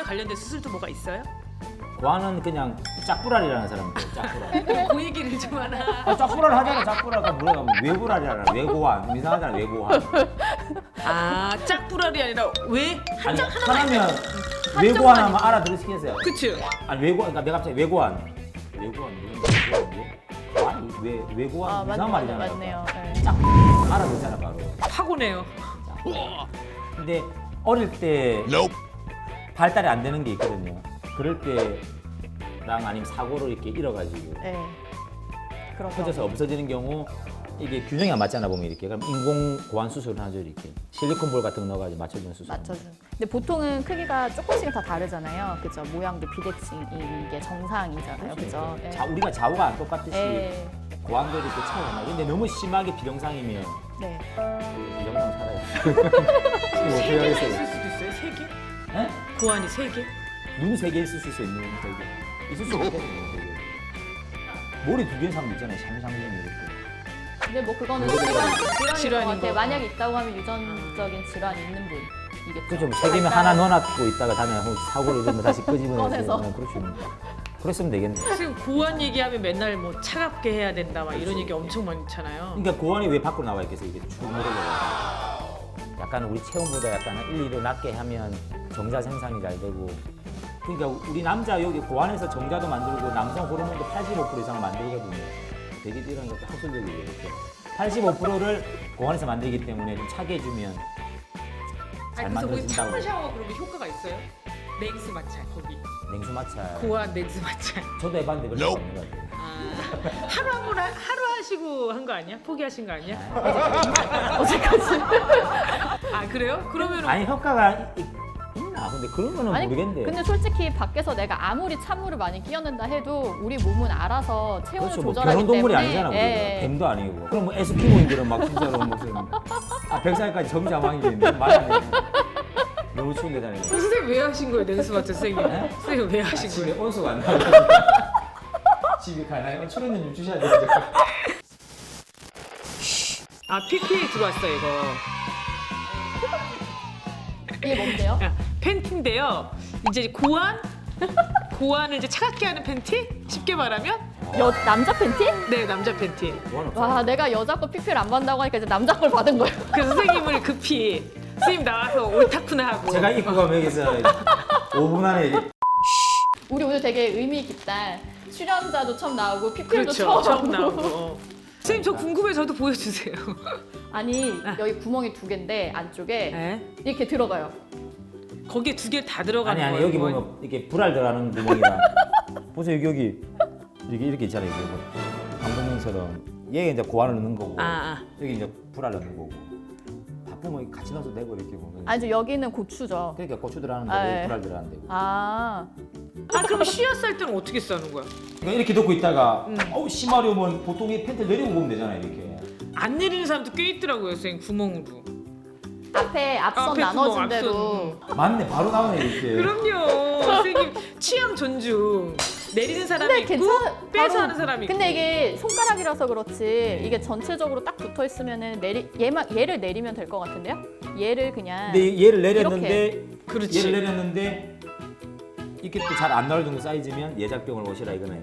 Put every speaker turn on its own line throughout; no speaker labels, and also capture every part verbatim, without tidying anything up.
관련된 수술도 뭐가 있어요?
고환은 그냥 짝불알이라는 사람들. 짝불알.
그 얘기를 좀 하나.
아, 짝불알 하잖아. 짝불알가 뭐라 하면 외불알이잖아. 외고환. 이상하잖아. 외고환.
아 짝불알이 아니라 왜 한
아니
장 하나만
하나면
한
외고환
장만
하면 알아들으시겠어요?
그치?
아니 외고환. 그러니까 내가 갑자기 외고환. 외고환. 외고환. 아니 외 외고환
아,
이상한
맞,
말이잖아.
맞네요. 네.
짝 알아듣잖아 바로.
파고네요.
근데 어릴 때 발달이 안 되는 게 있거든요. 그럴 때랑 아니면 사고로 이렇게 잃어가지고
네. 그런
터져서
거.
없어지는 경우 이게 균형이 안 맞잖아 보면 이렇게 그럼 인공 고환 수술을 하죠 이렇게 실리콘 볼 같은 거 넣어가지고 맞춰주는 수술.
맞춰준. 근데 보통은 크기가 조금씩은 다 다르잖아요. 그죠? 모양도 비대칭 이게 정상이잖아요. 그죠? 예.
자 우리가 좌우가 안 똑같듯이
예.
고환도 이렇게 차이가 나. 근데 너무 심하게 비정상이면
네.
비정상 살아요.
세 개나 있을 수도 있어요? 세 개?
예?
고환이 세 개?
눈세 개 있을 수 있는 되게 있을 수 있거든요. 되게. 머리 두 개인 사람 있잖아요. 샴샴샴 이렇게.
근데 뭐 그거는
그거는
질환, 질환인
질환인
것 같아요.
거.
만약에 있다고 하면 유전적인 질환이 있는 분이겠죠.
그렇죠. 세 개면 하나 넣어놨고 있다가 다음에 사고를 이러면 다시 끄집어내서
꺼내서.
네, 그렇죠. 그랬으면 되겠네.
지금 고환 얘기하면 맨날 뭐 차갑게 해야 된다 막 이런 얘기 엄청 많잖아요.
그러니까 고환이 왜 밖으로 나와 있겠어요? 이게 축 늘어져요. 약간 우리 체온보다 약간 일, 이 도 낮게 하면 정자 생산이 잘 되고. 그러니까 우리 남자 여기 고환에서 정자도 만들고 남성 호르몬도 팔십오 퍼센트 이상을 만들거든요. 되게 이런 것도 학술적이에요. 이렇게. 팔십오 퍼센트를 고환에서 만들기 때문에 좀 차게 해주면 잘
아니 그래서 거기 찬물
만들어진다고.
샤워 그러면 효과가 있어요? 냉수 마찰 거기.
냉수 마찰.
고환 냉수 마찰.
저도 해봤는데 별로 없는 것 같아요.
아, 하루 한 번 하루 하시고 한 거 아니야? 포기하신 거 아니야?
어제까지.
아 그래요? 그러면
아니 효과가 있, 있나? 근데 그런 거는
아니,
모르겠는데.
근데 솔직히 밖에서 내가 아무리 찬물을 많이 끼얹는다 해도 우리 몸은 알아서 체온을
그렇죠. 뭐
조절하기
그런 동물이
때문에
아니잖아. 우리가.
예.
뱀도 아니고. 그럼 뭐 에스키모인들은 막 진짜로 무슨 아 백살까지 점자망이지 말안 해. 너무 추운데 다니고.
선생님 왜 하신 거예요? 냉수 마찰 선생님.
네?
선생님 왜 하신
집에
거예요?
온수가 안 나고 집에 가나요? 출연료 좀 주셔야 되는데.
아 피피에 들어왔어요 이거.
이게 뭔데요?
야, 팬티인데요. 이제 고환 고환을 이제 차갑게 하는 팬티? 쉽게 말하면
여, 남자 팬티?
네 남자 팬티.
와, 내가 여자 거 피피를 안 받는다고 하니까 이제 남자 걸 받은 거예요.
그래서 선생님을 급히 선생님 나와서 옳다쿠나 하고.
제가 입고 가면 여기서 오 분 안에
우리 오늘 되게 의미 깊다. 출연자도 처음 나오고 피피도
그렇죠.
처음,
처음 나오고. 어. 선생님 저 궁금해 저도 보여주세요.
아니 여기 구멍이 두 개인데 안쪽에
네?
이렇게 들어가요.
거기에 두 개 다 들어가는
아니 아니
거예요.
여기
이건?
보면 이렇게 불알 들어가는 구멍이랑 보세요 여기 여기 이렇게 이렇게 있잖아요. 이게 뭐 방금처럼 얘가 이제 고환을 넣는 거고
아, 아.
여기 이제 불알 넣는 거고 바쁘면 같이 넣어서 되고 이렇게 보면
아니 저 여기는 고추죠.
그러니까 고추 들어가는
아,
거고
예.
불알 들어가는 데고
아,
아 그럼 쉬어 쌀 때는 어떻게 싸는 거야?
그러니까 이렇게 넣고 있다가
음.
어우 심하려면 보통 이 팬트 내리고 보면 되잖아요 이렇게
안 내리는 사람도 꽤 있더라고요 선생님 구멍으로.
앞에 앞선
앞에
나눠진
구멍,
대로.
맞네 바로 나오네 이렇게
그럼요 선생님 취향 존중. 내리는 사람이
근데
있고
괜찮.
빼서
바로-
하는 사람이 있고.
근데 이게 손가락이라서 그렇지 이게 전체적으로 딱 붙어 있으면은 내리 얘만 얘를 내리면 될 것 같은데요? 얘를 그냥.
근데 얘를 내렸는데
그렇지.
얘를 내렸는데 이게 또 잘 안 나올 정도 사이즈면 예작병을 오시라 이거네.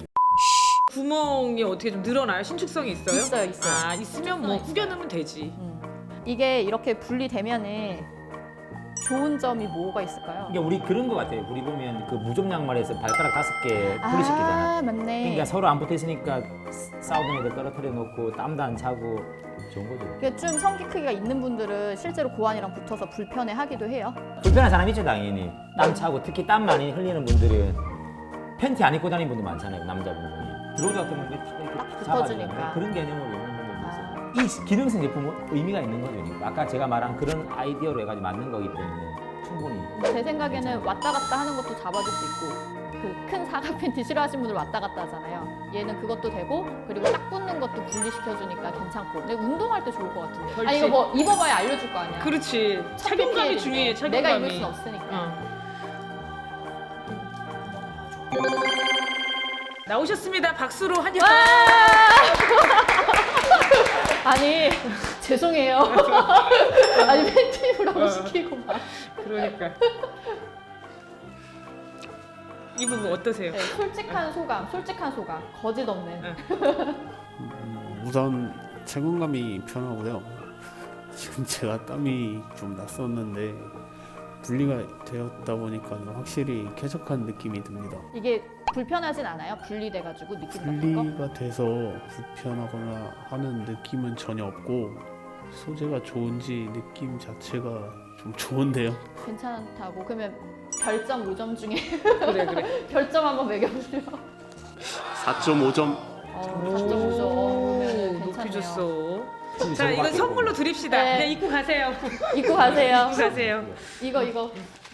구멍이 어떻게 좀 늘어나요? 신축성이 있어요?
있어요, 있어요.
아 있으면 뭐
있어요.
구겨 넣으면 되지.
음. 이게 이렇게 분리되면은 좋은 점이 뭐가 있을까요?
그러니까 우리 그런 거 같아요. 우리 보면 그 무좀 양말에서 발가락 다섯 개 분리시키잖아.
아, 맞네.
그러니까 서로 안 붙어 있으니까 싸우던 애들 떨어뜨려 놓고 땀도 안 차고 좋은 거죠.
그게 좀 성기 크기가 있는 분들은 실제로 고환이랑 붙어서 불편해 하기도 해요.
불편한 사람 있죠 당연히. 땀 차고 특히 땀 많이 흘리는 분들은 팬티 안 입고 다니는 분도 많잖아요 남자분 중에. 들어오자 같은 건 이렇게
딱
탁
붙어주니까.
잡아주는데 그런 개념으로 있는 분들도 있어요.
아.
이 기능성 제품은 의미가 있는 거죠. 그러니까. 아까 제가 말한 그런 아이디어로 해가지고 만든 거기 때문에 충분히.
제 생각에는 왔다 갔다 하는 것도 잡아줄 수 있고 그 큰 사각 팬티 싫어하시는 분들 왔다 갔다 하잖아요. 얘는 그것도 되고 그리고 딱 붙는 것도 분리시켜주니까 괜찮고. 근데 운동할 때 좋을 것 같은데. 아
그렇지.
이거 뭐 입어봐야 알려줄 거 아니야.
그렇지. 착용감이
팬티엘인데
중요해. 착용감이.
내가 입을 순 없으니까.
어. 나오셨습니다. 박수로 환영.
아니 죄송해요. 아니 팬티 입으라고 시키고 막.
그러니까. 입은 거 어떠세요?
네, 솔직한 소감, 솔직한 소감, 거짓 없는.
네.
음, 우선 착용감이 편하고요. 지금 제가 땀이 좀 났었는데 분리가 되었다 보니까 확실히 쾌적한 느낌이 듭니다.
이게 불편하진 않아요? 분리돼가지고 느낌 같은 거?
분리가 돼서 불편하거나 하는 느낌은 전혀 없고 소재가 좋은지 느낌 자체가 좀 좋은데요.
괜찮다고. 그러면 별점 오 점 중에
그래 그래.
별점 한번 매겨보세요.
사 점 오 점.
어, 사 점 오 점.
오,
그러면
높이
괜찮네요.
줬어.
지금
자,
저거
이건
갖고
선물로
있고.
드립시다.
네.
네, 입고 가세요.
입고 가세요.
입고 가세요.
이거 이거.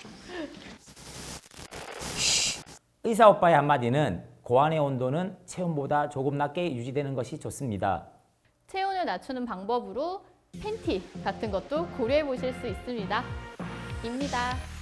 의사 오빠의 한마디는 고안의 온도는 체온보다 조금 낮게 유지되는 것이 좋습니다.
체온을 낮추는 방법으로 팬티 같은 것도 고려해 보실 수 있습니다. 입니다.